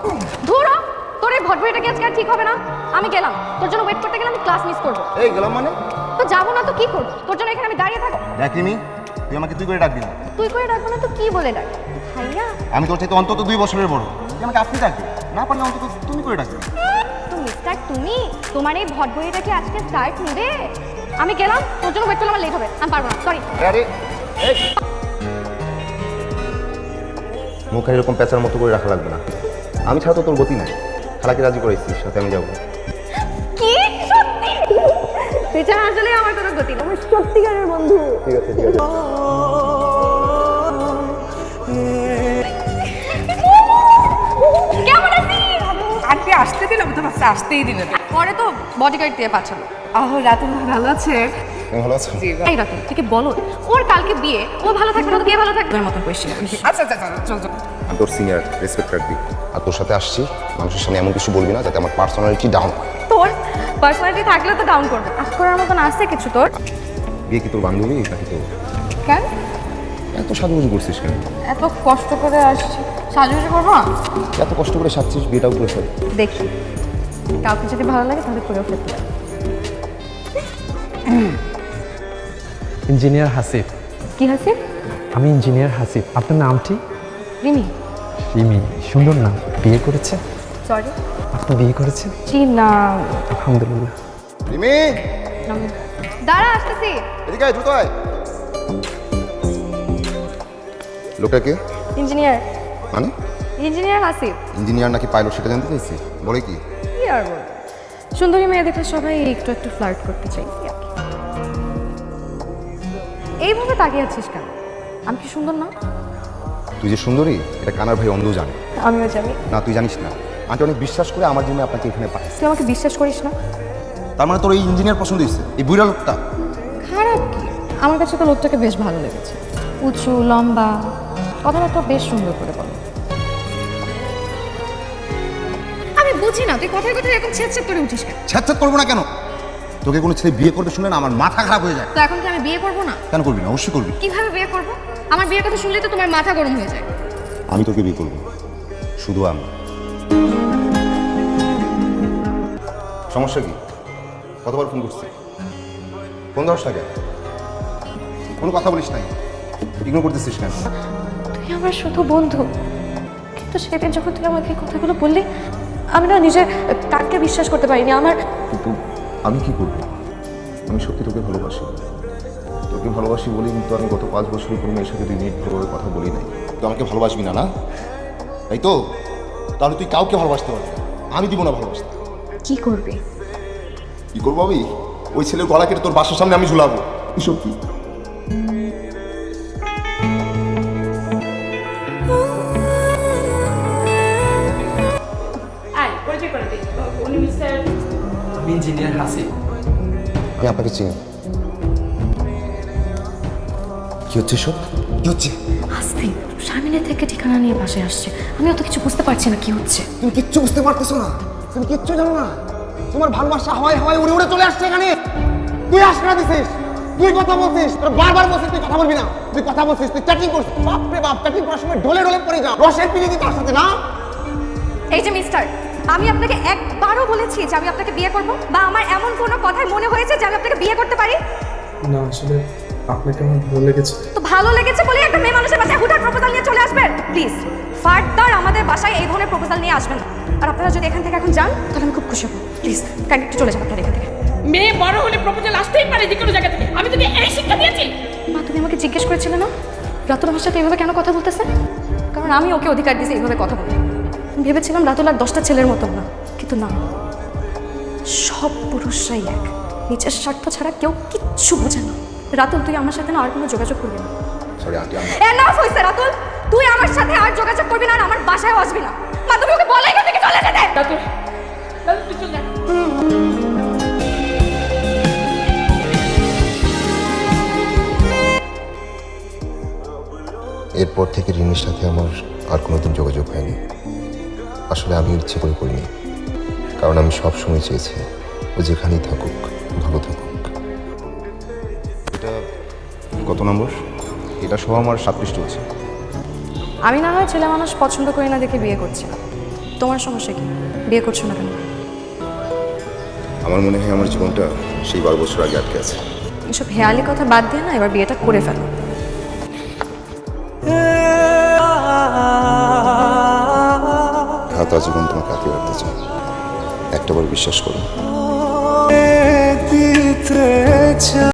ধুরো, তোর এই ভটভটিটা আজকে আর ঠিক হবে না। আমি গেলাম, তোর জন্য ওয়েট করতে গেলে আমি ক্লাস মিস করবো। এই গেলাম মানে? তো যাবো না তো কি করবো? তোর জন্য এখানে আমি দাঁড়িয়ে থাকবো? দেখিনি, তুই আমাকে তুই করে ডাকবি না। তুই করে ডাকবো না তো কি বলে ডাক? ভাইয়া, আমি তোর থেকে অন্তত 2 বছরের বড়, তুই আমাকে আপনি ডাকবি, না পারলে অন্তত তুমি করে ডাকবি। তো মিস্টার তুমি, তোমার এই ভটভটিটা কি আজকে স্টার্ট নেবে? আমি গেলাম, তোর জন্য ওয়েট করলে আমার লেট হবে, আমি পারবো না, সরি। আরে এই মুখে এরকম পেঁচার মতো করে রাখা লাগবে না। আমি ছাড়া তো তোর গতি নাই। খালাকে রাজি করাইছিস, সাথে আমি যাবো। কি সত্যি? বেচারা আসলে আমার কোনো গতি না, আমার সত্যিকারের বন্ধু। ঠিক আছে ঠিক আছে। কেমন আছিস? আন্টি আসতে দিলাম তো বাচ্চা আসতেই দিলেন। পরে তো বডিগার্ড দিয়ে পাঠালো। রাতুল ভালো আছে? তুমি ভালো আছো? এই রাতে থেকে বলো, ওর কালকে বিয়ে, ও ভালো থাকবে না তো কে ভালো থাকবে? মতন কোয়েশ্চেন। আচ্ছা আচ্ছা চল চল। আমি তোর সিনিয়র, রেসপেক্ট রাখবি। আর তোর সাথে আসছি, মানুষের সামনে এমন কিছু বলবি না যাতে আমার পার্সোনালিটি ডাউন হয়। তোর পার্সোনালিটি থাকলে তো ডাউন করবে। আজ করার মতন আছে কিছু তোর? বিয়ে কি তোর বান্ধবী নাকি তোর? কেন এত সাজুগুজু করছিস কেন? এত কষ্ট করে আসছি, সাজুগুজু করবো না? এত কষ্ট করে সাজছিস, বিয়েটাও করে ফেল। দেখি কাউকে যদি ভালো লাগে তাহলে করেও ফেলতে পারি। ইঞ্জিনিয়ার হাসিফ। কি হাসিফ? আমি ইঞ্জিনিয়ার হাসিফ। আপনার নামটি? রিমি। রিমি, সুন্দর নাম। বিয়ে করেছে? সরি, আপনি বিয়ে করেছেন? জি না। আলহামদুলিল্লাহ। রিমি, দাঁড়া, আসতেছি। এদিকে আয়, দ্রুত আয়। লোকটা কে? ইঞ্জিনিয়ার। মানে? ইঞ্জিনিয়ার হাসিফ। ইঞ্জিনিয়ার নাকি পাইলট সেটা জানতে চাইছি। বলে কি? কি আর বলবো, সুন্দরী মেয়ে দেখলে সবাই একটু একটু ফ্লার্ট করতে চাই। এইভাবে তাকিয়ে আছিস কেন? আমি কি সুন্দর না? তুই যে সুন্দরী এটা কানার ভাই অন্ধ জানে। আমিও জানি। না তুই জানিস না, আন্টি অনেক বিশ্বাস করে আমার জন্য আপনাকে এখানে পাঠাইছে। তুই আমাকে বিশ্বাস করিস না? তার মানে তোর এই ইঞ্জিনিয়ার পছন্দ হয়েছে, এই বুড়া লোকটা? খারাপ কি? আমার কাছে তো লোকটাকে বেশ ভালো লেগেছে। উঁচু লম্বা, কথাবার্তা বেশ সুন্দর করে বলো। আমি বুঝি না তুই কথায় কথায় এরকম ছেদ করে উঠিস কেন? ছ্যাঁচ্ছাত করবো না কেন? তোকে কোনো ছেলে বিয়ে করবে শুনলে না আমার মাথা খারাপ হয়ে যায়। তো এখন কি আমি বিয়ে করবো না? কেন করবি না? অবশ্যই করবি। কিভাবে বিয়ে করবো? আমার বিয়ের কথা শুনলে তো তোমার মাথা গরম হয়ে যায়। আমি তোকে বিয়ে করবো, শুধু আমি। সমস্যা কি? কতবার ফোন করছি? ফোন ধরস না কেন? কোনো কথা বলিস নাই, ইগনোর করতেছিস কেন? তুই আমার শুধু বন্ধু, কিন্তু সেদিন যখন তুই আমাকে এই কথাগুলো বললি, আমি না নিজের কাককে বিশ্বাস করতে পারিনি। আমার কিন্তু আমি কি করবো? আমি সত্যি তোকে ভালোবাসি। তোকে ভালোবাসি বলি কিন্তু আমি গত 5 বছরই কোনো মেয়ের সাথে 2 মিনিট ভালোভাবে কথা বলি নাই। তুই আমাকে ভালোবাসবি না, না তাই তো? তাহলে তুই কাউকে ভালোবাসতে পারবি না, আমি দিব না ভালোবাসতে। কি করবি? কি করবো আমি? ওই ছেলের গলা কেটে তোর বাসার সামনে আমি ঝুলাবো। এসব কি? পরিচয় করে দিই, উনি মিস্টার। আমি ইঞ্জিনিয়ার হাসিফ। আমি আপনাকে চিনি। কি হচ্ছে সব? কি হচ্ছে? আস্তে, শারমিনের থেকে ঠিকানা নিয়ে বাসায় আসছে। আমি অত কিছু বুঝতে পারছি না কি হচ্ছে। তুমি কিচ্ছু বুঝতে পারতেছো না, তুমি কিচ্ছু জানো না। তোমার ভালোবাসা হাওয়ায় হাওয়ায় উড়ে উড়ে চলে আসছে এখানে। তুই আশকা দিছিস, তুই কথা বলছিস, তোর বারবার বলছিস তুই কথা বলবি না, তুই কথা বলছিস, তুই চ্যাটিং করছিস। বাপ রে বাপ, চ্যাটিং করার সময় ঢলে ঢলে পড়ে যাও, রসের পিড়িতি তার সাথে না। এই যে মিস্টার, আমি আপনাকে একবারও বলেছি যে আমি আপনাকে বিয়ে করব, বা আমার এমন কোনো কথাই মনে হয়েছে যে আমি আপনাকে বিয়ে করতে পারি? না, আসলে আপনাকে আমার ভালো লেগেছে। তো ভালো লেগেছে বলে একটা মেয়ে মানুষের বাসায় হুঠাৎ প্রপোজাল নিয়ে চলে আসবেন? প্লিজ ফার্দার আমাদের বাসায় এই ধরনের প্রপোজাল নিয়ে আসবেন না। আর আপনারা যদি এখান থেকে এখন যান তাহলে আমি খুব খুশি হব। প্লিজ কাইন্ডলি একটু চলে যান আপনারা এখান থেকে। মেয়ে বড় হলে প্রপোজাল আসতেই পারে যে কোনো জায়গা থেকে। আমি তোকে এই শিক্ষা দিয়েছি। মা, তুমি আমাকে জিজ্ঞেস করেছিলে না রাতুল আমার সাথে এইভাবে কেন কথা বলতেছে? কারণ আমি ওকে অধিকার দিয়েছি এইভাবে কথা বলতে। ভেবেছিলাম রাতুল আর 10টা ছেলের মতন না, কিন্তু না, সব পুরুষরাই এক। নিজের স্বার্থ ছাড়া কেউ কিচ্ছু বোঝে না। রাতুল, তুই আমার সাথে না আর কোনো যোগাযোগ করবি না। সরি আন্টি, আমি এনাফ হইছে রাতুল, তুই আমার সাথে আর যোগাযোগ করবি না আর আমার বাসায় আসবি না। মা, তুমি ওকে বলে এখান থেকে চলে যেতে। রাতুল, রাতুল তুই চল যা। এরপর থেকে রিনির সাথে আমার আর কোনোদিন যোগাযোগ হয়নি। আসলে আমি ইচ্ছে করে করিনি, কারণ আমি সব সময় চেয়েছি ও যেখানেই থাকুক ভালো থাকুক। এটা কত নম্বর? এটা সহ আমার 7 পৃষ্ঠা চলছে। আমি না হয় ছেলে মানুষ পছন্দ করি না দেখে বিয়ে করছিলাম, তোমার সমস্যা কি বিয়ে করছো না কেন? আমার মনে হয় আমার জীবনটা সেই 12 বছর আগে আটকে আছে। এসব হেয়ালি কথা বাদ দিয়ে না এবার বিয়েটা করে ফেলো। সারা জীবন তোমাকে আঁকড়ে রাখতে চাই, একটাবার বিশ্বাস করো।